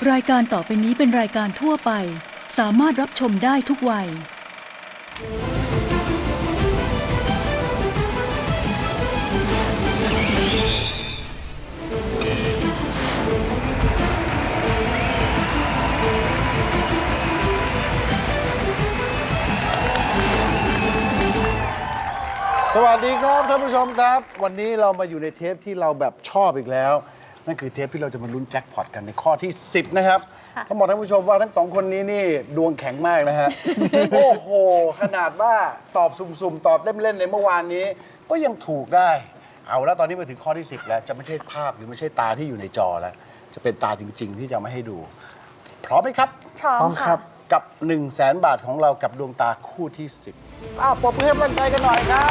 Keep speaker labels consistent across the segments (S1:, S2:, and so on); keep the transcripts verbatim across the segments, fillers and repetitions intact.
S1: รายการต่อไปนี้เป็นรายการทั่วไปสามารถรับชมได้ทุกวัย
S2: สวัสดีครับท่านผู้ชมครับวันนี้เรามาอยู่ในเทปที่เราแบบชอบอีกแล้วนั่นคือเทปที่เราจะมาลุ้นแจ็คพอตกันในข้อที่สิบนะครับต้องบอกท่านผู้ชมว่าทั้งสองคนนี้นี่ดวงแข็งมากนะฮะ โอ้โหขนาดว่าตอบสุ่มๆตอบเล่นๆในเมื่อวานนี้ก็ยังถูกได้เอาแล้วตอนนี้มาถึงข้อที่สิบแล้วจะไม่ใช่ภาพหรือไม่ใช่ตาที่อยู่ในจอแล้วจะเป็นตาจริงๆที่จะมาให้ดูพร้อมไหมครับ
S3: พร้อมครับ
S2: กับ หนึ่งแสน บาทของเรากับดวงตาคู่ที่สิบอ้าวปรบมือให้กำลังใจกันหน่อยครับ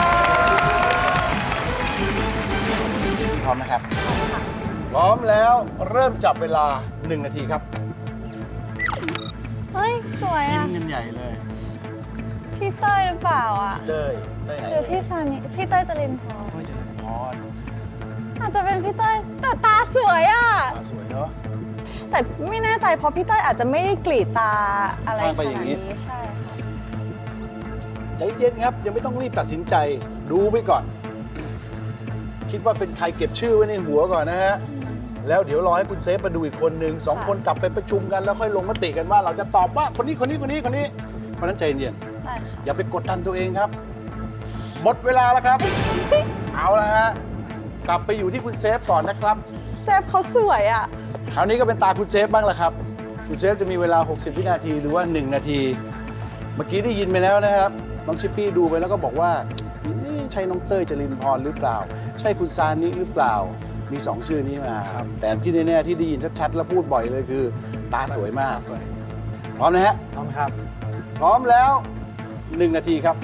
S2: พร้อมนะครับพร้อมแล้วเริ่มจับเวลาหนึ่งนาทีครับ
S3: เฮ้ย สวย
S2: ยิ้
S3: อ่ะ
S2: มกันใหญ่เลย
S3: พี่เต้ยหรือเปล่าอ่ะ
S2: เต้ยเต้ยไหน
S3: หรือพี่ซานิพี่เต้ยจรินพร
S2: เต้ยเจริญพร
S3: อาจจะเป็นพี่เต้ยแต่ตาสวยอ่ะ
S2: ตาสวยเนาะ
S3: แต่ไม่แน่ใจเพราะพี่เต้ยอาจจะไม่ได้กรีดตาอะไรข
S2: ไปอ
S3: นา
S2: ย่า
S3: ด
S2: งนี้
S3: นี้ใช่ค่ะ
S2: ใจเย็นครับยังไม่ต้องรีบตัดสินใจดูไปก่อน คิดว่าเป็นใครเก็บชื่อไว้ในหัวก่อนนะฮะแล้วเดี๋ยวรอให้คุณเซฟมาดูอีกคนหนึ่งสองคนกลับไปประชุมกันแล้วค่อยลงมติกันว่า เราจะตอบว่าคนนี้คนนี้คนนี้คนนี้เพราะฉะนั้นใจเย็น
S3: ได้ค่ะ
S2: อย่าไปกดดันตัวเองครับ หมดเวลาแล้วครับ เอาละฮะกลับไปอยู่ที่คุณเซฟก่อนนะครับ
S3: เซฟเขาสวยอ่ะ
S2: คราวนี้ก็เป็นตาคุณเซฟบ้างละครับคุณเซฟจะมีเวลาหกสิบวินาทีหรือว่าหนึ่งนาทีเมื่อกี้ได้ยินไปแล้วนะครับน้องชิปปี้ดูไปแล้วก็บอกว่านี่ใช่น้องเต้ยจรินพรหรือเปล่า ใช่คุณซานิหรือเปล่ามีสองชื่อนี้มาครับแต่ที่แน่ๆที่ได้ยินชัดๆและพูดบ่อยเลยคือ ตาสวยมากพร้อมนะฮะ
S4: พร้อมครับ
S2: พร้อมแล้วหนึ่งนาทีครับ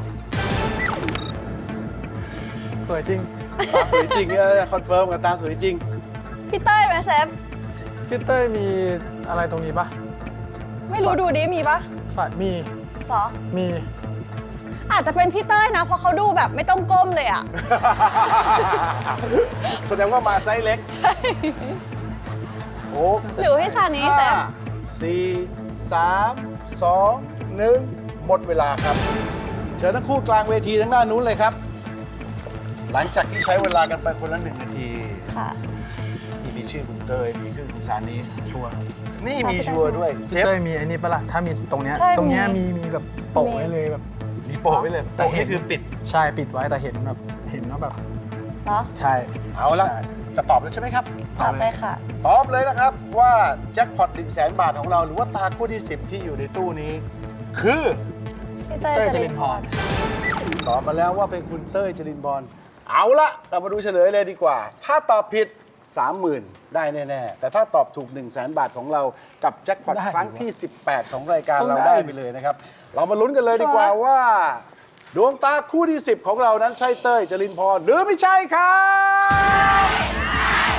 S4: สวยจริง
S2: ตาสวยจริงเนี่ยคอนเฟิร์มกับตาสวยจริง
S3: พี่เต้ยไหมเซฟ
S4: พี่เต้ยมีอะไรตรงนี้ปะ
S3: ไม่รู้ดูดิมีปะ
S4: ฝาดมี
S3: เหรอ
S4: มี
S3: อาจจะเป็นพี่เต้ยนะเพราะเขาดูแบบไม่ต้องก้มเลยอ่ะ
S2: แสดงว่ามาไซส์เล็ก
S3: ใช่
S2: โอ้
S3: หรือพี่ซานิเซฟ
S2: ห้าสี่สามสองหนึ่งหมดเวลาครับ เชิญทั้งคู่กลางเวทีทั้งด้านนู้นเลยครับ หลังจากที่ใช้เวลากันไปคนละหนึ่งนาที
S3: ค่ะ
S2: ที่มีชื่อคุณเตยมีชื่อคุณซานี
S4: ชัวร์
S2: นี่มีชัวร์ด้วยเซ
S4: พี่
S2: ฟ
S4: เต้ยมีไอ้นี่ปะล่ะ ถ้ามีตรงเนี้ย
S3: ใช่
S4: ตรงเนี้ย
S3: มี
S4: มีมีแบบโปะไว้เลยแบบ
S2: มีโปะไว้เลย
S4: แต่
S2: โปะ
S4: เห็
S2: นี่
S4: น
S2: คือปิด
S4: ใช่ปิดไว้แต่เห็นแบบเห็นว่าแบบ
S3: เหรอ
S4: ใช่
S2: เอาละ
S4: ใช่
S2: จะตอบแล้วใช่ไหมครับ
S3: ตอบเลยค่ะ
S2: ตอบเลยนะครับว่าแจ็คพอตหนึ่งแสนบาทของเราหรือว่าตาคู่ที่สิบที่อยู่ในตู้นี้ คือ
S3: พี่เต้ย
S4: เต้ย
S3: จ
S4: จ
S3: ริ
S4: ริ
S3: น
S4: น
S3: พ
S4: พ
S3: ร
S4: ร
S2: ตอบมาแล้วว่าเป็นคุณเต้ยจรินพรเอาละเรามาดูเฉลยเลยดีกว่า ถ้าตอบผิด สามหมื่น ได้แน่ๆแต่ถ้าตอบถูก 1 0 0 0 0แสนบาทของเรากับแจ็คพอต
S4: ได้
S2: ครั้งที่ สิบแปด ของรายการ
S4: ต้อง
S2: เรา
S4: ได้
S2: ได้ไปเลยนะครับ เรามาลุ้นกันเลยดีกว่าว่า ดวงตาคู่ที่ สิบ ของเรานั้นใช่เต้ยจรินพรหรือไม่ใช่ครับ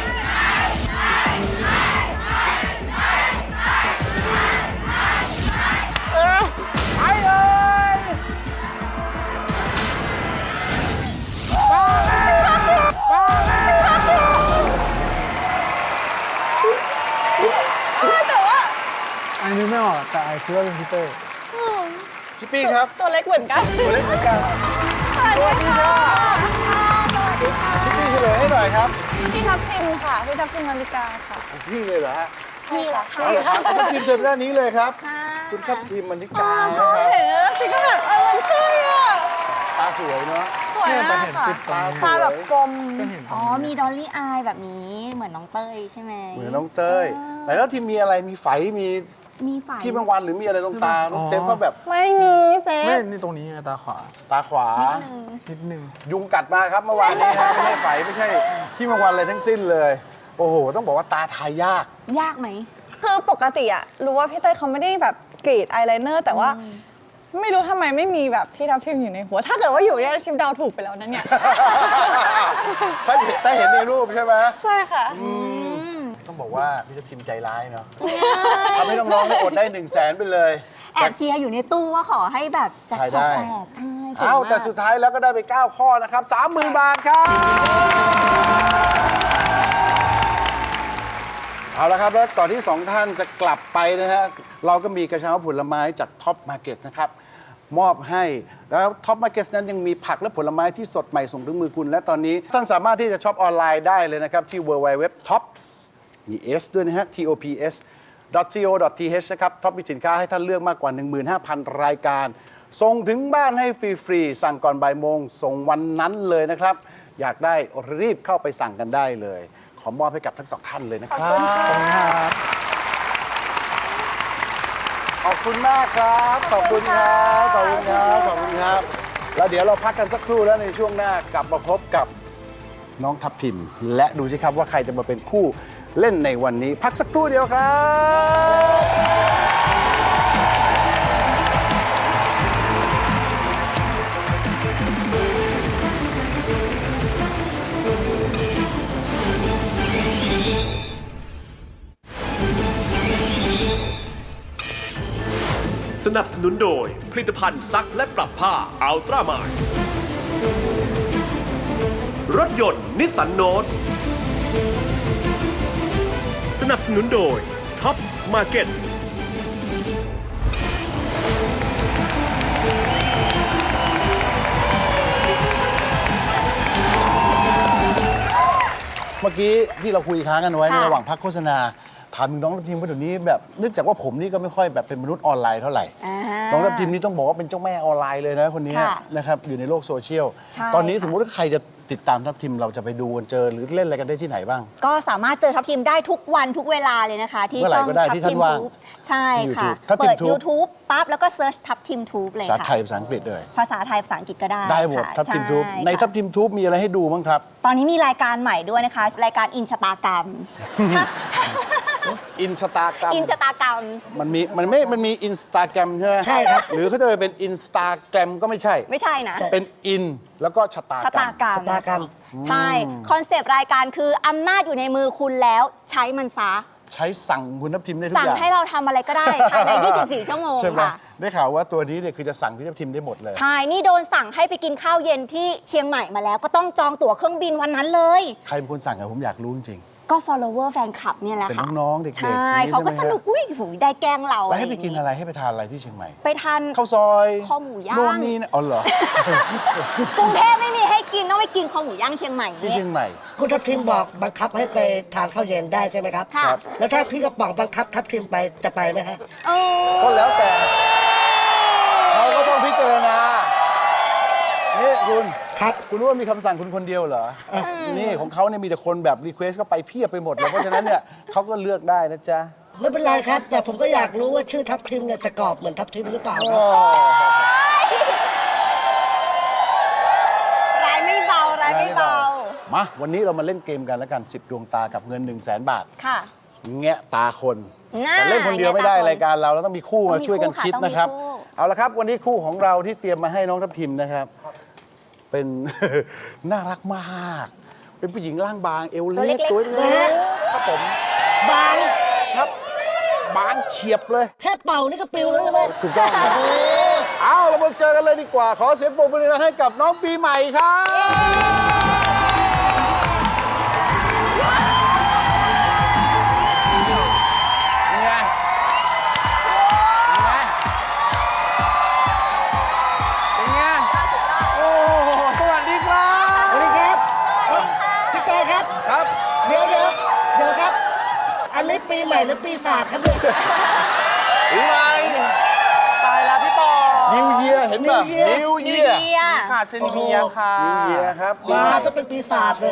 S2: ไปเลยมาแล้ว
S3: แต่ว่า
S4: ไอ้นึกไม่ออกแต่ไอ้คิดว่าเป็นพี่เต้ย
S2: ชิปปี้ครับ
S3: ตัวเล็กเหมือนกัน
S2: ตัวเล็กเหมือนกัน
S3: สวัสดีค่ะ
S2: ชิปปี้เฉลยให้หน่อยครับ
S3: พี่ทับทิมค่ะ พี่ทับทิมนาฬิกาค่ะ
S2: พี่เลยเหรอฮะ
S3: พี่เหรอคะ
S2: เอาเหรอครับคุณทัพทีมเชิญด้านนี้เลยครับ คุณทัพทีมมันนิกานะ
S3: พ่อ
S2: ครับ
S3: เห็นแล้วฉันก็แบบเออมันใช่อ่ะ
S2: ตาสวยเนาะ
S3: สวย
S4: เนี่ยแต่
S3: มาก
S4: เห็น
S3: ค่ะ
S4: ปิดตรงนี้
S3: ตาแบบกลม
S4: ก็เห็นตร
S5: อ๋
S4: ง
S5: อ
S4: นี้
S5: มีดอลลี่อายแบบนี้เหมือนน้องเต้ยใช่ไหม
S2: เหมือนน้องเต้ยไหนแล้วทีมมีอะไรมีไฝมี
S5: มีฝ่าย
S2: ที่บางวันหรือมีอะไรตรงตาน้องเซฟก็แบบ
S3: ไม่มีเซ
S4: ไม่
S3: ฟ
S4: นี่ตรงนี้ไงตาขวา
S2: ตาขวา
S4: นิดนึง
S2: ยุงกัดมาครับเมื่อวานนี้นะไม่ใช่ไฝไม่ใช่ที่บางวันอะไรทั้งสิ้นเลย โอ้โห ต้องบอกว่าตาทายยาก
S5: ยากไหม
S3: คือปกติอะรู้ว่าพี่เต้ยเขาไม่ได้แบบกรีดอายไลเนอร์แต่ว่าไม่รู้ทำไมไม่มีแบบพี่ทับทิมอยู่ในหัว ถ้าเกิดว่าอยู่เนี่ยชิมเดาถูกไปแล้วนะเนี่ย
S2: ถ้าเห็นถ้าเห็นในรูปใช่ไหม
S3: ใช่ค่ะ
S2: ต้องบอกว่าพี่ทัพทีมใจร้ายเนาะทำให้น้องๆได้อดได้หนึ่งแสนไปเลย
S5: แอบเชียร์อยู่ในตู้ว่าขอให้แบบแจ็ค
S2: ถ่าย
S5: พ
S2: ได้
S5: อตแตกใช่เก่ง
S2: เอ้าม
S5: าก
S2: แต่สุดท้ายแล้วก็ได้ไป เก้า ข้อนะครับ สามหมื่น บาทครับ เเอาละครับแล้วก่อนที่สองท่านจะกลับไปนะฮะเราก็มีกระเช้าผลไม้จากท็อปมาร์เก็ตนะครับมอบให้แล้วท็อปมาร์เก็ตนั้นยังมีผักและผลไม้ที่สดใหม่ส่งถึงมือคุณและตอนนี้ท่านสามารถที่จะช็อปออนไลน์ได้เลยนะครับที่ ดับเบิลยู ดับเบิลยู ดับเบิลยู ดอท ท็อปส์ มี S ด้วยนะฮะ ที โอ พี เอส ดอท ซี โอ ดอท ที เอช นะครับท็อปมีสินค้าให้ท่านเลือกมากกว่า หนึ่งหมื่นห้าพัน รายการส่งถึงบ้านให้ฟรีๆสั่งก่อนบ่ายโมงส่งวันนั้นเลยนะครับอยากได้รีบเข้าไปสั่งกันได้เลยขอมอบให้กับทั้งสองท่านเลยนะครับ ขอบคุณมากครับ ขอบคุณครับ ขอบคุณครับ ขอบคุณครับ แล้วเดี๋ยวเราพักกันสักครู่แล้วในช่วงหน้ากลับมาพบกับน้องทัพทิม และดูสิครับว่าใครจะมาเป็นคู่เล่นในวันนี้ พักสักครู่เดียวครับ
S6: สนับสนุนโดยผลิตภัณฑ์ซักและปรับผ้าอัลตร้ามายรถยนต์นิสสันโนตสนับสนุนโดยท็อปมาร์เก็ต
S2: เมื่อกี้ที่เราคุยค้างกันไว้ใน
S5: ค่ะ
S2: ระหว่างพักโฆษณาถามถึงน้องทัพทิมว่าเดี๋ยวนี้แบบเนื่องจากว่าผมนี่ก็ไม่ค่อยแบบเป็นมนุษย์ออนไลน์เท่าไหร่
S5: อ่า
S2: น้องทัพทิมนี่ต้องบอกว่าเป็นเจ้าแม่ออนไลน์เลยนะคนนี้
S5: ค่ะ
S2: นะครับอยู่ในโลกโซเชียล
S5: ใช่
S2: ตอนนี้
S5: ค่ะ
S2: สมมติว่าใครจะติดตามทัพทิมเราจะไปดูกันเจอหรือเล่นอะไรกันได้ที่ไหนบ้าง
S5: ก็สามารถเจอทัพทีมได้ทุกวันทุกเวลาเลยนะคะ ที่
S2: เมื่อไหร่
S5: ช่อง
S2: ก็ได้
S5: ทัพ
S2: ที่ท่า
S5: ที
S2: น
S5: ม
S2: ว่าง
S5: ทูบใช่
S2: ที่
S5: ค่ะ
S2: YouTube ทัพทีม
S5: เปิด
S2: Tube
S5: YouTube ปั๊บแล้วก็เซิร์ชทัพทีมทูบเลย
S2: ภาษา
S5: ค่ะ
S2: ไทยภาษาอังกฤษเลย
S5: ภาษาไทยภาษาอังกฤษก็ได้
S2: ได้หมด
S5: ค่ะ
S2: ทัพทิม
S5: ช่
S2: ทูบใน
S5: ค่ะ
S2: ทัพทิมทูบมีอะไรให้ดูบ้างครับ
S5: ตอนนี้มีรายการใหม่ด้วยนะคะ รายการอินชะตากรรม
S2: อินสตาแกรม
S5: อินชะตากรรม
S2: มันมีมันไม่มันมีอินสตาแกรมใช่ไหม
S5: ใช่ครับ
S2: หรือเขาจะไปเป็นอินสตาแกรมก็ไม่ใช่
S5: ไม่ใช่นะ
S2: เป็นอินแล้วก็ชะตา
S5: ชะ
S2: กรร
S5: ตาม กรรม
S7: ชะตากรรม
S5: ใช่ คอนเซปต์รายการคืออำนาจอยู่ในมือคุณแล้วใช้มันซะ
S2: ใช้สั่งคุณทัพทิมได้ทุก
S5: สั่ง
S2: อย่าง
S5: ให้เราทำอะไรก็ได้ภายใน ยี่สิบสี่ ชั่วโมง
S2: ใช่ไหม
S5: ค่ะ
S2: ได้ข่าวว่าตัวนี้เนี่ยคือจะสั่งพี่ทัพทิมได้หมดเลย
S5: ใช่ นี่โดนสั่งให้ไปกินข้าวเย็นที่เชียงใหม่มาแล้ว ก็ต้องจองตั๋วเครื่องบินวันนั้นเลย
S2: ใครเป็นคนสั่งอะผมอยากรู้จริง
S5: ก็ follower แฟนคลับเนี่ยแหละ
S2: เป็น
S5: ค่ะ
S2: น้องๆเด็กๆ
S5: ใช่
S2: อย่างนี้
S5: เขาก็
S2: ใช่
S5: ส
S2: ไหมฮะ
S5: นุกอุ้ยฝูได้แกล้งเรา
S2: ๆแล้วให้ไป
S5: ย่าง
S2: กินอะไรให้ไปทานอะไรที่เชียงใหม่
S5: ไปทาน
S2: ข้าวซอย
S5: คอหมูย่าง
S2: โน่นนี่นะอ๋อเหรอ
S5: กรุงเทพไม่มีให้กินต้องไปกินคอหมูย่างเชียงใหม่
S2: ที่เชียงใหม่
S7: คุณทัพทิมบอกบังคับให้ไปทานข้าวเย็นได้ใช่ไหมครับ
S5: ค่ะ
S2: ครับ
S7: แล้วถ้าพี่กระป๋องบังคับทัพทิมไปจะไปไหมฮะ
S5: เออ
S2: ก็แล้วแต่เขาก็ต้องพิจารณานี่คุณ
S7: ครับ
S2: คุณรู้ว่ามีคำสั่งคุณคนเดียวเหรอนี่ของเขาเนี่ยมีแต่คนแบบรีเควสก็ไปเพียบไปหมดเลยเพราะฉะนั้นเนี่ยเขาก็เลือกได้นะจ๊ะ
S7: ไม่เป็นไรครับ แต่ผมก็อยากรู้ว่าชื่อทัพทิมเนี่ยจะกรอบเหมือนทัพทิมหรือเปล่าครับ
S5: ร้ายไม่เบาร้ายไม่เบา
S2: มาวันนี้เรามาเล่นเกมกันแล้วกัน สิบ ดวงตากับเงิน 1 0 0 0 0แสนบาท
S5: ค่ะ
S2: แงะตาคน
S5: น่า
S2: แต่เล่นคนเดียวไม่ได้
S5: แงะตาคน
S2: รายการเราเราต้องมีคู่
S5: ต้
S2: มา
S5: องมี
S2: ช่วยกัน
S5: คู่ค่ะ
S2: คิด
S5: ต้องมี
S2: นะครับ
S5: คู่
S2: เอาละครับ วันนี้คู่ของเราที่เตรียมมาให้น้องทัพทิมนะครับ เป็น น่ารักมาก เป็นผู้หญิงร่างบางเอวเล็กตัวเล็กครับผม
S7: บาง
S2: ครับบางเฉียบเลย
S7: แค่เป่านี่ก็ปิวแล้วใช่ไหม
S2: ถูกต้องครับเอาเรามาเจอกันเลยดีกว่า ขอเสียงปรบมือให้กับน้องปีใหม่ครับเป็นไงเป็นไงเป็นไงโอ้โหสวัสดีครับ
S7: สวัสดีครับเอ้าพี่กอยครับ
S2: ครับ
S7: เดี๋ยวเดี๋ยวเดี๋ยวครับ อันนี้ปีใหม่หรือปีศาจครับเนี่ย
S2: ปีใหม่
S8: ตายแล้วพี่ปอ
S2: นิวเยียเห็นป่ะ
S7: New Year
S2: นิว
S5: นิ
S2: เยี
S5: วย เยีย
S8: ค่ะชื่อนิเมียค่ะ
S2: นิวเยียครับ
S7: มาจะเป็นปีศาจเลย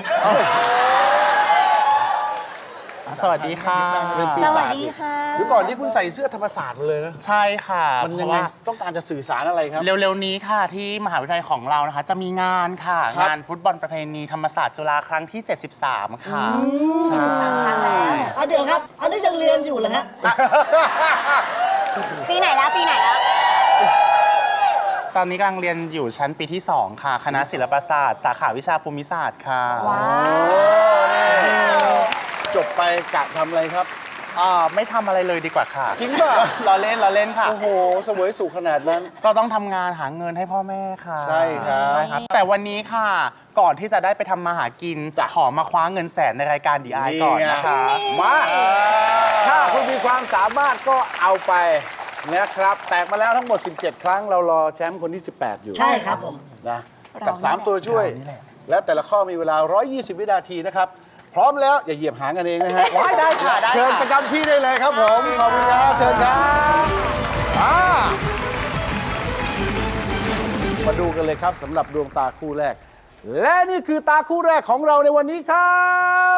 S8: สวัสดีค่ะ
S2: เป็นปี
S5: ส
S2: ศาจ
S5: วัสดีค่ะ
S2: เดี๋ยวก่อนที่คุณใส่เสื้อธรรมศาสตร์มาเลยนะ
S8: ใช่ค่ะ
S2: มัน
S8: เพ
S2: ยัง
S8: ราะ
S2: ไง
S8: ว่า
S2: ต้องการจะสื่อสารอะไรครับ
S8: เร็วๆนี้ค่ะที่มหาวิทยาลัยของเรานะคะ จะมีงานค่ะ
S2: ครับ
S8: งานฟุตบอลประเพณีธรรมศาสตร์จุฬาครั้งที่ เจ็ดสิบสาม ค่ะ
S5: เจ็ดสิบสามครั้งแล้ว
S7: อ่ะเดี๋ยวครับ อันนี้ยังเรียนอยู่เหรอฮะ
S5: ปีไหนแล้วปีไหนแล้ว
S8: ตอนนี้กำลังเรียนอยู่ชั้นปีที่ สอง ค่ะ คณะศิลปศาสตร์ สาขาวิชาภูมิศาสตร์ค่ะ
S5: ว้า
S2: โอ้นี่จบไปกะทำอะไรครับ
S8: อ่าไม่ทำอะไรเลยดีกว่าค่ะ
S2: จริงป่ะ
S8: ล้อเล่นล้อเล่นค่ะ
S2: โอ้โหเสวยสุขขนาดนั้น
S8: ก็ต้องทำงานหาเงินให้พ่อแม่ค่ะ
S2: ใช่ครับ
S8: ใช่ครับ แต่วันนี้ค่ะ ก่อนที่จะได้ไปทำมาหากิน
S2: จ้ะ
S8: ขอมาคว้าเงินแสนในรายการดีไอก่อนนะคะ
S2: มาความสามารถก็เอาไปนะครับ แตกมาแล้วทั้งหมด สิบเจ็ด ครั้งเรารอแชมป์คนที่ สิบแปด อยู่
S7: ใช่ครับผม
S2: นะกับ สาม ตัวช่วย และแต่ละข้อมีเวลา หนึ่งร้อยยี่สิบ วินาทีนะครับ พร้อมแล้วอย่าเหยียบหางกันเองนะฮะ
S8: ว้ายได้ค่ะได้ค่ะ
S2: เชิญประจำที่ได้เลยครับผมขอบคุณครับเชิญครับอ่ามาดูกันเลยครับสำหรับดวงตาคู่แรก และนี่คือตาคู่แรกของเราในวันนี้ครับ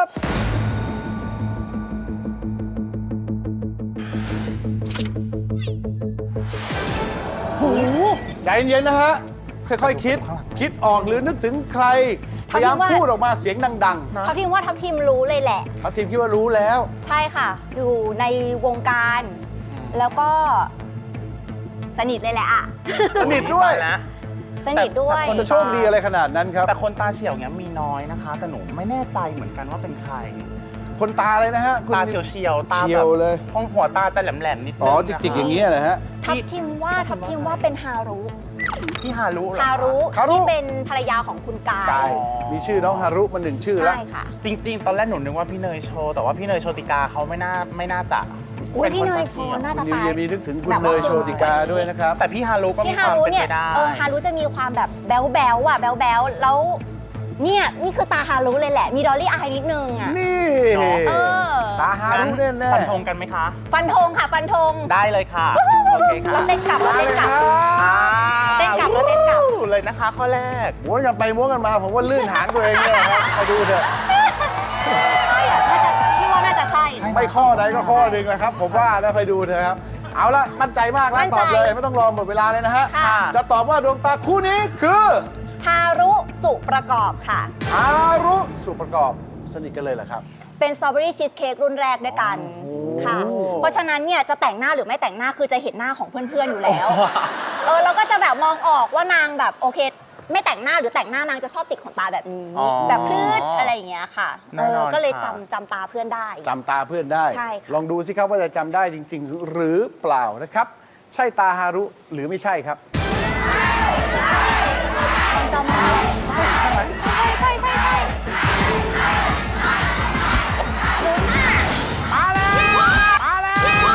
S2: ใจเย็นๆนะฮะ ค่อยๆคิด คิดออกหรือนึกถึงใคร พยายามพูดออกมาเสียงดัง
S5: ทัพทีมว่าทัพทีมรู้เลยแหละ
S2: ๆทัพทีมคิดว่ารู้แล้ว
S5: ใช่ค่ะ อยู่ในวงการ แล้วก็ สนิทเลยแหละอะ
S2: สนิทด้วย
S8: นะ
S5: สนิทด้วย
S2: จะโชคดีอะไรขนาดนั้นครับ
S8: แต่คนตาเฉียวเนี้ยมีน้อยนะคะ แต่หนูไม่แน่ใจเหมือนกันว่าเป็นใคร
S2: คนตาเลยนะฮะคุณ
S8: ตาเฉียวเฉียวๆตา
S2: เฉี
S8: แบ
S2: ยว
S8: บ
S2: เลย
S8: ห้องหัวตาจะแหลมแหลมๆนิดนึง
S2: อ๋อ จิกๆ อย่างนี้ยนะฮะ
S5: ทัพทีมว่าทัพทีมว่าเป็นฮารุ
S8: พี่ฮารุเหรอ
S5: ฮารุ
S2: ฮารุ
S5: ที่เป็นภรรยาของคุณกาย
S2: กายมีชื่อน้องฮารุมาหนึ่งชื่อแล้ว
S5: ใช่ค่ะ
S8: จริง ๆ ตอนแรกหนูนึกว่าพี่เนยโชว์แต่ว่าพี่เนยโชติกาเขาไม่น่าไม่น่าจะ
S5: อุ้ย
S8: ป็
S5: พี่เนย
S8: ค
S5: โช
S8: ตา
S5: ว์
S8: ฉียว
S5: น่าจะ
S2: คุณนิว
S5: ตาย
S2: เยียมีนึกถึงคุณ
S5: แบบ
S2: เน
S5: ว่า
S2: ยโชติกาด้วยนะครับ
S8: แต่พี่ฮารุก็มี
S5: พี่
S8: ค
S5: ฮาว
S8: าม
S5: รุ
S8: เป็น
S5: เนี่ย
S8: ไปได้
S5: เออฮารุจะมีความแบบแบ๊วแบ๊วๆอ่ะแบ๊วแบ๊วๆแล้วเนี่ยนี่คือตาฮารุเลยแหละ มีดอลลี่อายนิดนึงอ่ะ
S2: นี่
S5: เออ
S2: ตาฮารุแน่ๆ
S8: ฟันธงกันไหมคะ
S5: ฟันธงค่ะฟันธง
S8: ได้เลยค่ะ โอเคค่ะ
S5: เราเต้นกลับเราเต้นกลับ
S8: อ่า
S5: เต้นกลับแล้วเต้นกลับ
S8: เลยนะคะข้อแรก
S2: ม้วนกันไปม้วนกันมา ผมว่าลื่นหางตัวเองเนี่ยครับมาดูเถอะ
S5: ใช่อะน่าจะพี่ว่าน่าจะใช่
S2: ไม่ข้อใดก็ข้อหนึ่งนะครับ ผมว่าแล้วไปดูเถอะครับ เอาละมั่นใจมากแล้ว
S5: มั่นใจ
S2: ตอบเลย ไม่ต้องรอหมดเวลาเลยนะฮะ
S5: ค่ะ
S2: จะตอบว่าดวงตาคู่นี้คือ
S5: ฮารุสุประกอบค่ะ
S2: ฮารุสุประกอบสนิทกันเลยเหรอครับ
S5: เป็นสตรอเบอรี่ชีสเค้กรุ่นแรกด้วยกันค่ะ เพราะฉะนั้นเนี่ยจะแต่งหน้าหรือไม่แต่งหน้าคือจะเห็นหน้าของเพื่อนๆอยู่แล้ว เออเราก็จะแบบมองออกว่านางแบบโอเค ไม่แต่งหน้าหรือแต่งหน้านางจะชอบติดขนตาแบบนี้
S8: อ๋อ
S5: แบบพืดอะไรอย่างเงี้ยค่ะ
S8: แน่
S5: เอน
S8: อ
S5: อน ก็เลย
S8: ค่ะ
S5: จำจำตาเพื่อนได้
S2: จำตาเพื่อนได้
S5: ใช่ค่ะ
S2: ลองดูสิครับว่าจะจำได้จริง ๆ หรือเปล่านะครับ ใช่ตาฮารุหรือไม่ใช่ครับ
S5: จำได้ใช่ใช่ใช่ใช่มาแล้วมาแล้ว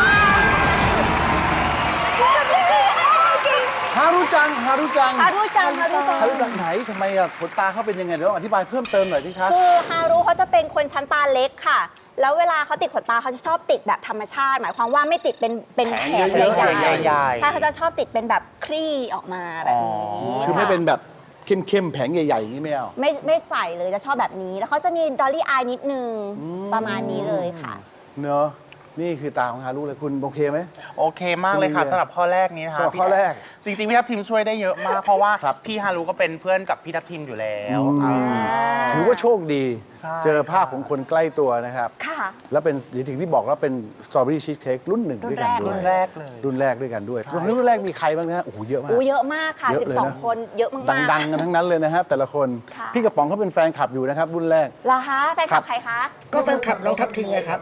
S2: ฮารุจัง ฮารุจัง
S5: ฮารุจังฮารุจัง
S2: ฮารุจังไหนทำไมอ่ะขนตาเขาเป็นยังไงเดี๋ยวอธิบายเพิ่มเติมหน่อยสิครับ
S5: คือฮารุเขาจะเป็นคนชั้นตาเล็กค่ะ แล้วเวลาเขาติดขนตาเขาจะชอบติดแบบธรรมชาติ หมายความว่าไม่ติดเป็นเป็น
S2: แผ
S5: แผ
S2: ง
S5: ง
S2: เยอะๆ
S5: ใหญ่
S8: ใหญ่ๆ
S5: ใช่เขาจะชอบติดเป็นแบบคลี่ออกมาแบบนี้
S2: คือไม่
S5: ะ
S2: เป็นแบบเข้มๆ แผงใหญ่ๆอย่างนี้ไม่เอา
S5: ไม่ไม่ใส่เลยจะชอบแบบนี้ แล้วเขาจะมีดอลลี่อายนิดนึงประมาณนี้เลยค่ะ
S2: เนอะนี่คือตาของฮารุเลยคุณโอเคไหม
S8: โอเคมากเลยค่ะ
S2: คุณ
S8: สำหรับข้อแรกนี้นะคะ
S2: สำหรับข้อแรก
S8: จริงๆ พี่ทัพทีมช่วยได้เยอะมาก เพราะว่า
S2: ครับ
S8: พี่ฮารุก็เป็นเพื่อนกับพี่ทัพทีมอยู่แล้ว
S2: อืม ถือว่าโชคดี
S8: ใช่
S2: เจอภาพของคนใกล้ตัวนะครับ
S5: ค่ะ
S2: แล้วเป็นอย่างที่บอกแล้วเป็นสตรอเบอรี่ชีสเค้กรุ่นหนึ่งด้วยกันด้
S8: รุ่
S2: วย
S8: นแรกเลย
S2: รุ่นแรกด้วยกันด้วยรุ่นแรกมีใครบ้างนะฮะโอ้โหเยอะมาก
S5: อู้เยอะมากค่ะ
S2: เยอะเลยนะ
S5: สิบสอง คนเยอะมากๆ
S2: ดังๆกันทั้งนั้นเลยนะฮะแต่ละคน
S5: ค่ะ
S2: พี่กระป๋องเขาเป็นแฟนคลับอยู่นะครับ รุ่นแรก
S5: เหรอคะแฟนคลับใครคะ
S7: ก็แฟนคลับน้องทัพทิมไงครับ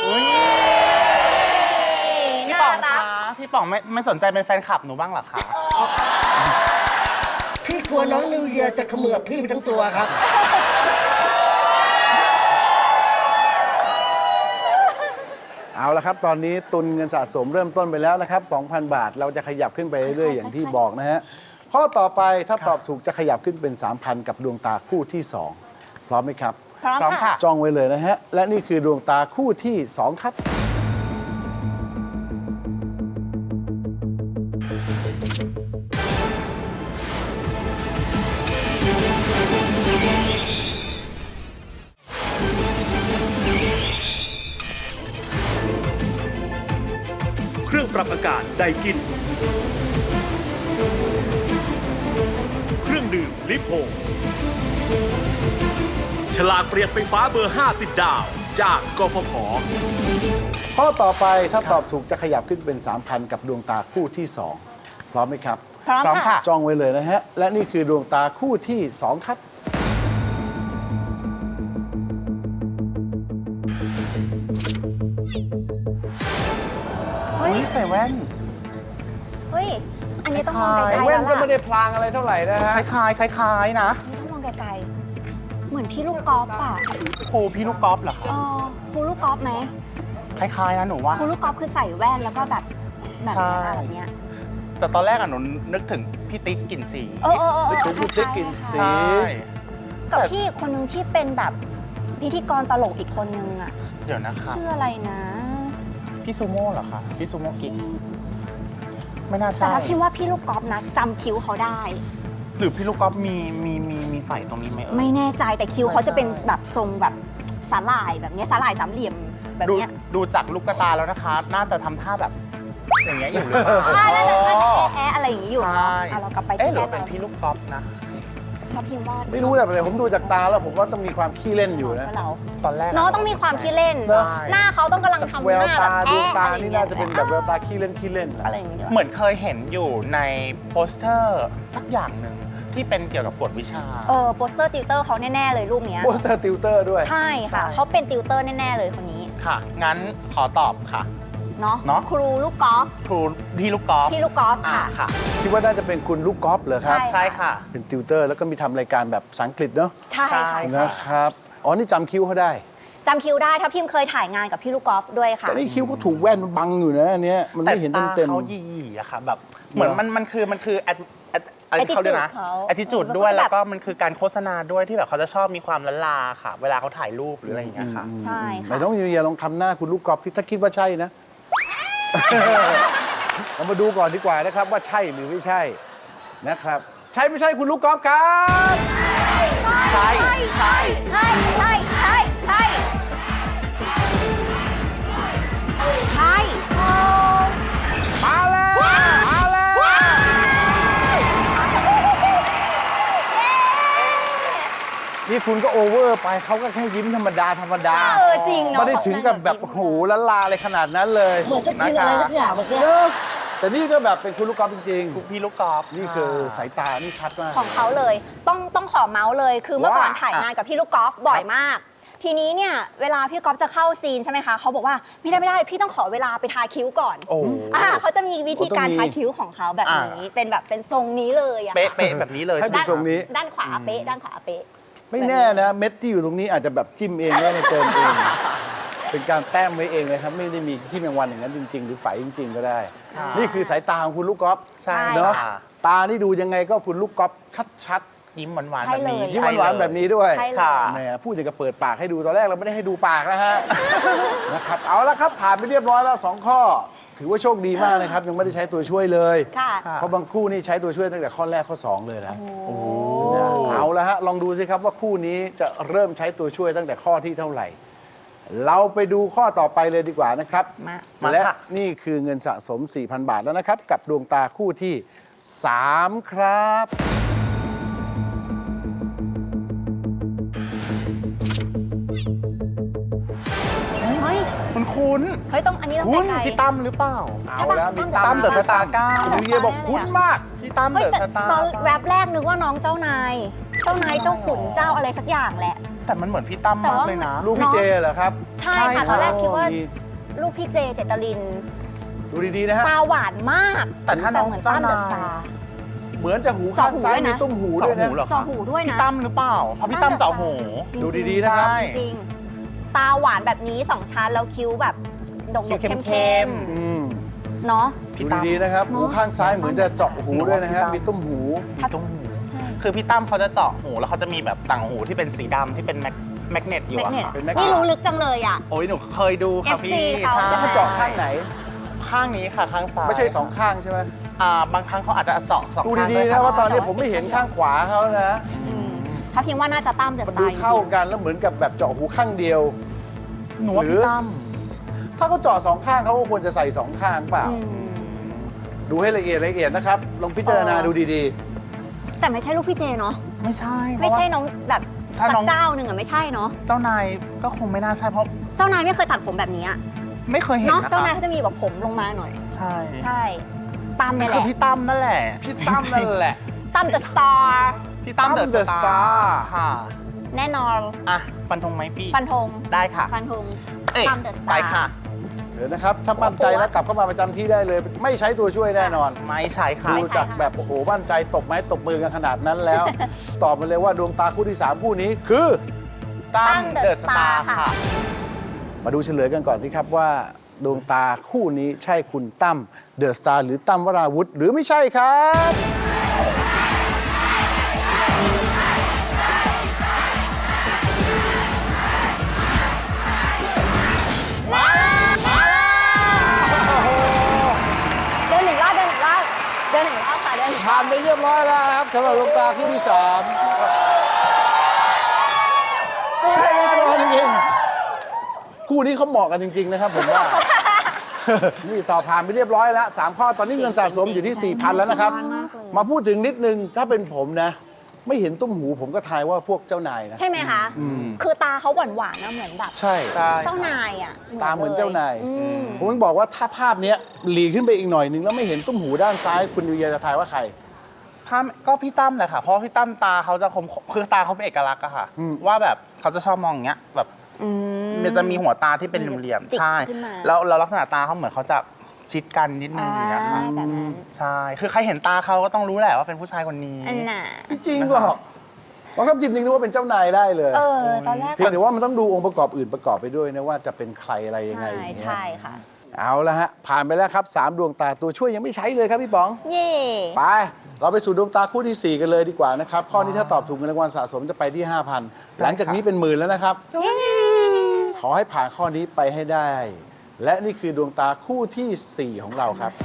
S8: พี่
S5: น่า
S8: ป๋อง
S5: รั
S8: คะ
S5: ก
S8: พี่ป๋องไม่ไม่สนใจเป็นแฟนคลับหนูบ้างเหรอคะ
S7: พี่กลัวน้องนิวเยียร์จะเขมือบพี่ไปทั้งตัวครับ
S2: เอาละครับ ตอนนี้ตุนเงินสะสมเริ่มต้นไปแล้วนะครับ สองพัน บาท เราจะขยับขึ้นไปเรื่อยๆอย่างที่บอกนะฮะ ข้อต่อไปถ้าตอบถูกจะขยับขึ้นเป็น สามพัน กับดวงตาคู่ที่ สอง พร้อมไหมครับ
S5: พร้อม
S8: พร้อม
S5: ค่ะ
S8: ค่ะ
S2: จ้องไว้เลยนะฮะ และนี่คือดวงตาคู่ที่ สอง ครับ
S6: เครื่องปรับอากาศไดกิน เครื่องดื่มลิโพฉลากเปลี่ยนไฟฟ้าเบอร์ ห้า ติดดาว จากกฟผ.
S2: ข้อต่อไปถ้าตอบถูกจะขยับขึ้นเป็น สามพัน กับดวงตาคู่ที่ สอง พร้อมไหมครับ
S5: พร้อม
S8: พร้อม
S5: ค่ะ
S8: ค่ะ
S2: จ้องไว้เลยนะฮะ และนี่คือดวงตาคู่ที่ สอง ครับ
S5: เฮ้ย
S8: นี่ใส่แว่น
S5: เฮ้ย อันนี้ต้องมองไกลๆ
S2: แว่
S5: แล้
S2: น
S5: ว
S2: ก็
S5: ล่ะ
S2: ไม่ได้พลางอะไรเท่าไหร่นะฮะ
S8: คล้ายๆคล้ายๆนะ
S5: อันนี้ต้องมองไกลๆ เหมือนพี่ลูกกอล์ฟอ่ะ
S8: ครูพี่ลูกกอล์ฟเหรอคะ
S5: เออครูลูกกอล์ฟไหม
S8: คล้ายๆนะหนูว่า
S5: ครูลูกกอล์ฟคือใส่แว่นแล้วก็แบบแบบ
S8: ใช่
S5: เนี้ยแบบเนี้ย
S8: แต่ตอนแรกอะหนูนึกถึงพี่ติ๊กกลิ่นสี
S5: เออเออเออ
S2: นึกถึงคุณติ๊กกลิ่นสี
S8: ใช่
S5: กับพี่อีกคนนึงที่เป็นแบบพิธีกรตลกอีกคนนึงอ่ะ
S8: เดี๋ยวนะคะ
S5: ชื่ออะไรนะ
S8: พี่ซูโม่เหรอคะพี่ซูโม่กิ๊กไม่น่า
S5: แต่
S8: ใช่
S5: ถ้าที่ว่าพี่ลูกกอล์ฟนะจำคิ้วเขาได้
S8: หรือพี่ลูกกอล์ฟมีมีมีมีไฝตรงนี้ไหมเอ่ย
S5: ไม่แน่ใจแต่คิ้วเขาจะเป็นแบบทรงแบบสาหร่ายแบบเนี้ยสาหร่ายสามเหลี่ยมแบบ
S8: ดู
S5: เนี้ย
S8: ดูจากลูกตาแล้วนะคะ น่าจะทำท่าแบบอย่างเงี้ยอยู่หรือเปล่า
S5: อ่าน่าจะน่าจะแอะๆอะไรอย่างงี้อยู่
S8: ใช่
S5: เนาะอ่ะเรากลับไป
S8: เอ๊ะ
S5: ที่
S8: หรือ
S5: แอะ
S8: ว่าเป็น
S5: เรา
S8: พี่ลูกกอล์ฟนะ
S5: ทับทิมวาด
S2: ไม่รู้แต่ผมดูจากตาแล้วผมว่าต้องมีความขี้เล่นอยู่นะ
S5: เรา
S8: ตอนแรก
S5: เนาะต้องมีความคิดเล่น
S2: ใช่
S5: หน้าเขาต้องกำลัง
S2: จาก
S5: ทำ
S2: แว
S5: ห
S2: ว
S5: น้า
S2: ตา
S5: แบบ
S2: ดวง
S5: แอะ
S2: ตา
S5: อะไรอย่
S2: นี่
S5: งงี้
S2: น่าย จะเป็นแบบแววตาขี้เล่นขี้เล่นนะ
S5: อะไรอย่างเงี้ย
S8: เหมือนเคยเห็นอยู่ในโปสเตอร์สักอย่างหนึ่งที่เป็นเกี่ยวกับกวดวิชา
S5: เออโปสเตอร์ติวเตอร์เขาแน่ๆเลยรูปเนี้ย
S2: โปสเตอร์ติวเตอร์ด้วย
S5: ใช่ค่ะเขาเป็นติวเตอร์แน่ๆเลยคนนี้
S8: ค่ะ งั้นขอตอบค่ะ
S5: เนาะ
S8: เนาะ
S5: ครูลูกกอล์ฟ
S8: ครูพี่ลูกกอล์ฟ
S5: พี่ลูกกอล์ฟ
S8: อ่า
S5: ค่ะ
S8: ค่ะ
S2: คิดว่าน่าจะเป็นคุณลูกกอล์ฟเหรอครับ
S5: ใช่
S8: ใช่ค่ะ
S2: เป็นติวเตอร์แล้วก็มีทำรายการแบบภาษาอังกฤษเนาะ
S5: ใช่ค่ะ
S8: ใช่
S5: ใช่
S2: นะครับ อ๋อ นี่จำคิ้วเขาได้
S5: จำคิวได้ทัพทีมเคยถ่ายงานกับพี่ลูกกอล์ฟด้วยค่ะ
S2: แต่นี่คิ้วเขาถูกแว่นบังอยู่นะอันเนี้ยมัน
S8: แต่
S2: ไม่เห็น
S8: ตา
S2: เต็ม
S8: เขายี่ๆอะค่ะแบบเหมือนมันมันคือมันคือ at- at- อะไร
S5: Attitude
S8: เขาเรียกนะ
S5: เขา
S8: attitude ด้วยแล้วก็มันคือการโฆษณาด้วยที่แบบเขาจะชอบมีความละลาค่ะ เวลาเขาถ่ายรูปหรืออะไรอย่างเงี้ยค่ะ
S5: ใช่
S2: ๆไหน
S5: ค่ะ
S2: น้องยูเยียลองทำหน้าคุณลูกกอล์ฟที่ถ้าคิดว่าใช่นะ เรามาดูก่อนดีกว่านะครับว่าใช่หรือไม่ใช่นะครับ ใช่ไม่ใช่คุณลูกกอล์ฟครับ
S8: ใช่
S5: ใช่ใช่ใช่ใช่ใช่ใช่โอ้
S2: มาแล้วมาแล้วนี่คุณก็โอเวอร์ไปเขาก็แค่ยิ้มธรรมดาธรรมดา
S5: เออจริงเนาะ
S2: ไม่ได้ถึงกับแบบโอ้โหละลาอะไรขนาดนั้นเลย
S7: เหมือนจะกินอะไรสักอย่างเมื่อกี้
S2: เนอะแต่นี่ก็แบบเป็นคุณลูกกอล์ฟจริง
S8: พี่ลูกกอล์ฟ
S2: ๆ นี่คือสายตานี่ชัดมาก
S5: ของเขาเลยต้องต้องขอเมาส์เลย คือเมื่อก่อน
S2: ว่า
S5: ถ่ายงานกับพี่ลูกกอล์ฟบ่อยมาก ทีนี้เนี่ยเวลาพี่กอล์ฟจะเข้าซีนใช่ไหมคะเขาบอกว่าไม่ได้ไม่ได้พี่ต้องขอเวลาไปทาคิ้วก่อน
S2: โอ้
S5: อ่าเขาจะมีวิธีการ
S2: โอ้ต้องมี
S5: ทาคิ้วของเขาแบบนี้เป็นแบบเป็นทรงนี้เลยอะ
S8: เป๊ะเป๊ะแบบนี้เลย
S2: ให้
S8: ใช่ไหม
S2: เป็นทรงนี้
S5: ด้านขวาเป๊ะด้านขวาเป๊ะ
S2: ไม่แน่นะเม็ดที่อยู่ตรงนี้อาจจะแบบจิ้มเองไม่ได้เติมเอง เป็นการแต้มไว้เองเลยครับ ไม่ได้มีที่แมงวันอย่างนั้นจริง ๆ หรือไฝจริง ๆ ก็ได้
S8: ค่ะ
S2: นี่คือสายตาของคุณลูกกอล์ฟ
S8: ใช่
S2: เนาะ
S8: ค่ะ
S2: ตานี่ดูยังไงก็คุณลูกกอล์ฟชัด
S8: ยิ้มหวานๆ
S5: ใช่
S8: แบบ
S5: เลย
S8: นี้
S2: ๆยิ้มหวานๆแบบนี้ด้วย
S5: ใช่เลย
S8: ค่ะ
S2: แหมพูดอย่างกับเปิดปากให้ดูตอนแรกเราไม่ได้ให้ดูปากนะฮะ นะครับเอาละครับผ่านไปเรียบร้อยแล้วสองข้อ ถือว่าโชคดีมากนะครับ ยังไม่ได้ใช้ตัวช่วยเลย
S5: ค่ะ
S2: เพราะบางคู่นี่ใช้ตัวช่วยตั้งแต่ข้อแรกข้อสองเลยนะ
S5: โอ้
S2: นะเอาละฮะ ลองดูสิครับว่าคู่นี้จะเริ่มใช้ตัวช่วยตั้งแต่ข้อที่เท่าไหร่ เราไปดูข้อต่อไปเลยดีกว่านะครับ
S5: มา
S8: มา
S2: และ
S8: ค่ะ
S2: นี่คือเงินสะสม สี่พัน บาทแล้วนะครับ กับดวงตาคู่ที่ สาม ครับ
S5: เฮ้ย
S8: คุณคุณ
S5: เฮ้ยต้องอันนี้ต้อง
S2: คุณ
S5: ไกล
S8: พี่ตั้มหรือเปล่า
S5: ใช่
S2: เอา
S5: ปะ
S2: แล้วมี
S5: ตั้
S8: ตั้
S5: ม
S8: มเดอะสตาร์เก้า
S2: คุณเยบอกคุ้นมาก
S8: พี่ตั้ม
S5: เฮ้ย
S8: เดอะ
S5: แต่
S8: สตาร์
S5: ตอนแรปแรกนึกว่าน้องเจ้านาย เจ้านายเจ้าขุนเจ้าอะไรสักอย่างแหละ
S8: แต่มันเหมือนพี่ตั้ม
S5: แต่
S8: มาก
S5: ว่า
S8: เลยนะ
S2: ลูกพี่เจเหรอครับ
S5: ใช่ค่ะตอนแรกคิดว่า
S2: มี
S5: ลูกพี่เจเจตลิน
S2: ดูดีๆนะฮะ
S5: ตาหวานมาก
S8: แต่ถ้าน้อง
S5: เหมือนตั้มเดอะส
S8: เจ้านาย
S5: ตาร์
S2: เหมือนจะหูข้างซ้าย
S5: เจาะหูด้วยนะ
S2: มีตุ้มหู
S8: เจาะ
S2: ด้วย
S8: หู
S2: นะ
S8: เหรอ
S5: จอ
S8: คะ
S5: หูด้วยนะ
S8: พี่ตั้มหรือเปล่าเพราะพี่ตั้มเจาะหู
S5: จริงๆ
S2: ดูดีๆนะครับ
S8: ใช่
S5: จริงๆตาหวานแบบนี้สองชั้นแล้วคิ้วแบบดก
S8: คิ้ว
S5: ๆ
S8: เข้
S5: เข้
S8: ม
S5: ม
S8: ๆ
S2: อืม
S5: ๆเนาะ
S2: ดูดีๆนะครับหูข้างซ้ายเหมือนจะเจาะหูด้วยนะฮะมีตุ้มหู
S8: มีตุ้มหู
S5: ใช่
S8: คือพี่ตั้มเขาจะเจาะหูแล้วเขาจะมีแบบต่างหูที่เป็นสีดำที่เป็นแมกแมกเนตอยู่
S5: แมก
S8: อะ
S5: เนต
S8: ค่ะ
S2: เป็นแมกเนต
S5: นี่รู้ลึกจังเลยอ่ะ
S8: โอ้ยหนูเคยดูค่ะ
S5: เอฟซี
S8: พี่
S5: เขา
S8: ใช่
S2: แล้วเขาเจาะข้างไหน
S8: ข้างนี้ค่ะข้างซ้าย
S2: ไม่ใช่สองข้างใช่ไหม
S8: อ่าบางครั้งเขาอาจจะเจาะสอง
S2: ดู
S8: ข้าง
S2: ดี
S8: ด้วย
S2: ๆนะ
S8: ค่ะ
S2: ว่าตอนนี้ผมไม่เห็นข้างขวาเขานะ
S5: อืมเขาคิดว่าน่าจะตั้มเดอะ
S2: มัน
S5: ส
S2: ดู
S5: ตาร์จริ
S2: เท่าง กันแล้วเหมือนกับแบบเจาะหูข้างเดียว
S8: หนูว่า
S2: หรื
S8: พี่ตั้ม
S2: ถ้าเขาเจาะสองข้างเขาก็ควรจะใส่สองข้างเปล่า
S5: อืม
S2: ดูให้ละเอียดละเอียดนะครับ ลองพิจารณา
S5: เออ
S2: ดูดี
S5: แต่ไม่ใช่ลูกพี่เจเนาะ
S8: ไม่ใช่
S5: ไม่ใช่น้องแบบ
S8: ถ้า
S5: สั
S8: น้อก ง
S5: เจ้าหนึ่งอะไม่ใช่เนาะ
S8: เจ้านายก็คงไม่น่าใช่เพราะ
S5: เจ้านายไม่เคยตัดผมแบบนี้อะ
S8: ไม่เคยเห็น
S5: เนาะ
S8: นะคะ
S5: เจ้านายเขาจะมีแบบผมลงมาหน่อย
S8: ใช่
S5: ใช่ตั้ม
S8: นี่
S5: เนี่ยแห
S8: คือ
S5: ละ
S8: พี่ตั้มนั่นแหละ
S2: ๆ พี่ตั้มนั่นแหละ
S5: ตั้มเดอะสตาร์
S8: พี่ตั้ม
S2: ตั้ม
S8: เดอะ
S2: The
S8: ส
S2: Star
S8: ตาร์ค่ะ
S5: แน่นอน
S8: อ่ะฟันธงไหมพี่
S5: ฟันธง
S8: ได้ค่ะ
S5: ฟันธง
S8: เอ้ย
S5: ตั้มเดอะส
S8: ไป
S5: ตาร์
S8: ค่ะ
S2: เชิญนะครับ ถ้ามั่นใจแล้วกลับเข้ามาประจำที่ได้เลย ไม่ใช้ตัวช่วยแน่นอน
S8: ไม่ใช่ค่ะ
S2: ดูจากแบบโอ้โหมั่นใจตบไม้ตบมือกันขนาดนั้นแล้ว ตอบมาเลยว่าดวงตาคู่ที่สามคู่นี้คือ
S8: ตั้
S5: ตั้
S8: ม
S5: ม
S8: เด
S5: เด
S8: อะ
S5: อะ
S8: ส
S5: ส
S8: ตา
S5: ตาร์
S8: ร์
S5: ค่ะ
S8: ค่ะ
S2: มาดูเฉลยกันก่อนสิครับว่าดวงตาคู่นี้ใช่คุณตั้มเดอะสตาร์หรือตั้มวราวุธหรือไม่ใช่ครับ
S5: เดินหนึ่งรอบเดินหนึ่งรอบเดินหนึ่งรอบค่ะเดินหนึ่งร
S2: ผ่า
S5: อน บ
S2: ไปเรียบร้อยแล้วครับสำหรับดวงตาคู่ที่สามใช่แน่นอนจริงๆคู่นี้เขาเหมาะกันจริง ๆ นะครับผมว่า นี่ต่อผ่านไปเรียบร้อยแล้วสามข้อตอนนี้เงินสะสมอยู่ที่ สี่พัน แล้วนะครับ มาพูดถึงนิดนึงถ้าเป็นผมนะ ไม่เห็นตุ้มหูผมก็ทายว่าพวกเจ้านายนะ
S5: ใช่ไหมคะ คือตาเขาหวานหวานๆนะเหมือนแบบ
S2: ใช่
S5: เจ้านายอ่ะ
S2: ตาเหมือนเจ้านาย
S5: อืม
S2: ผมต้องบอกว่าถ้าภาพเนี้ยหลีขึ้นไปอีกหน่อยนึงแล้วไม่เห็นตุ้มหูด้านซ้ายคุณยูเยียจะทายว่าใคร
S8: ถ้าก็พี่ตั้มแหละค่ะ เพราะพี่ตั้มตาเขาจะคมคือตาเขาเป็นเอกลักษณ์อะค่ะ
S2: อืม
S8: ว่าแบบเขาจะชอบมองอย่างเงี้ยแบบ
S5: อืม
S8: มันจะมีหัวตาที่เป็นเหลี่ยม
S5: จิก
S8: ๆใช่
S5: ขึ้นมา
S8: แล้วแล้วลักษณะตาเขาเหมือนเขาจะชิดกันนิดนึงอย่างเงี้ยค่ะ
S5: อ่าแบบนั้น
S8: ใช่คือใครเห็นตาเขาก็ต้องรู้แหละว่าเป็นผู้ชายคนนี้
S5: อันน่ะ
S2: ไม่จริงหรอกบางคำจิบนึงนึกว่าเป็นเจ้านายได้เลย
S5: เออ ตอนแรก
S2: เพียงแต่ว่ามันต้องดูองค์ประกอบอื่นประกอบไปด้วยนะว่าจะเป็นใครอะไรยังไง
S5: ใช่
S2: อย่างเงี้ย
S5: ใช่ค่ะ
S2: เอาละฮะผ่านไปแล้วครับสามดวงตาตัวช่วยยังไม่ใช้เลยครับพี่ป๋อง
S5: เย่
S2: ไป เราไปสู่ดวงตาคู่ที่ สี่ กันเลยดีกว่านะครับ ข้อนี้ถ้าตอบถูกเงินรางวัลสะสมจะไปที่ ห้าพัน หลังจากนี้เป็นหมื่นแล้วนะครับ ขอให้ผ่านข้อนี้ไปให้ได้ และนี่คือดวงตาคู่ที่ สี่ ของเราครับ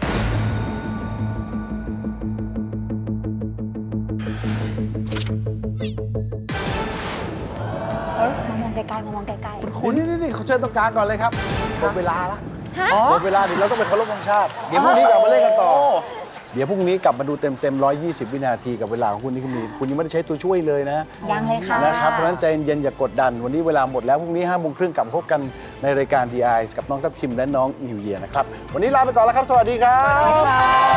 S5: เออมามองไกลๆมามองไกลๆ
S2: คุณนี่นี่นี่เขาเชิญตรงกลางก่อนเลยครับหมดเวลาละ
S5: ฮะ
S2: หมดเวลาเดี๋ยวเราต้องไปเคารพธงชาติ เดี๋ยวพรุ่งนี้กลับมาเล่นกันต่อ เดี๋ยวพรุ่งนี้กลับมาดูเต็มเต็มๆหนึ่งร้อยยี่สิบ วินาทีกับเวลาของคุณนี่คุณมีคุณยังไม่ได้ใช้ตัวช่วยเลยนะ
S5: ยังเลยค่ะ
S2: นะครับ เพราะฉะนั้นใจเย็นๆอย่ากดดัน วันนี้เวลาหมดแล้วพรุ่งนี้ห้าโมงครึ่งกลับมาพบกันในรายการ ดี ไอ กับน้องทัพทิมและน้องนิวเยียร์นะครับ วันนี้ลาไปก่อนแล้วครับ สวัสดีครับ